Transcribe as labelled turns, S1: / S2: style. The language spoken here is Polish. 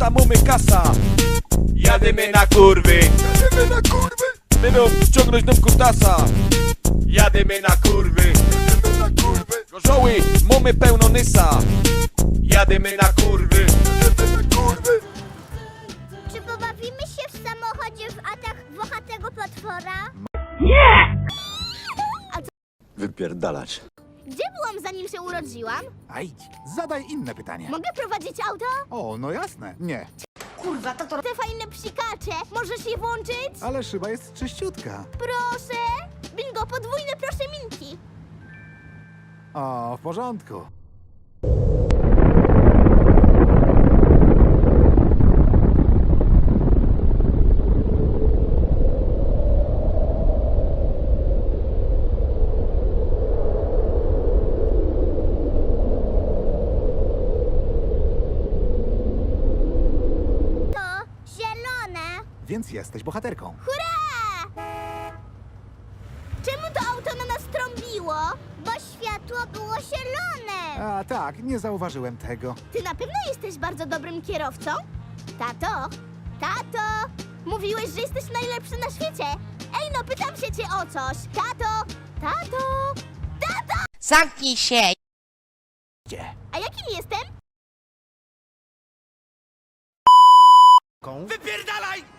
S1: mamy kasa.
S2: Jadymy na kurwy,
S3: Jadymy na kurwy,
S1: Będą ciągnąć nam kutasa.
S2: jadymy na kurwy,
S3: jadymy na kurwy,
S1: Gorzoły, mamy pełno nysa.
S2: jadymy na kurwy.
S3: jadymy na kurwy.
S4: Czy pobawimy się w samochodzie w atak włochatego potwora?
S3: Wypierdalać.
S4: Gdzie byłam zanim się urodziłam?
S5: A idź, zadaj inne pytanie.
S4: Mogę prowadzić auto?
S5: O, no jasne. Nie,
S4: Kurwa, tato. Te fajne psikacze, możesz je włączyć?
S5: ale szyba jest czyściutka.
S4: Proszę! Bingo, podwójne proszę minki.
S5: O, w porządku.
S4: To zielone.
S5: Więc jesteś bohaterką.
S4: Hurra! Czemu to auto na nas trąbiło? Bo światło było zielone.
S5: A tak, nie zauważyłem tego.
S4: Ty na pewno jesteś bardzo dobrym kierowcą? Tato? Tato! Mówiłeś, że jesteś najlepszy na świecie. Ej, no pytam się cię o coś. Tato! Tato! Tato!
S6: Zamknij się!
S4: A jakim jestem?
S2: Wypierdalaj!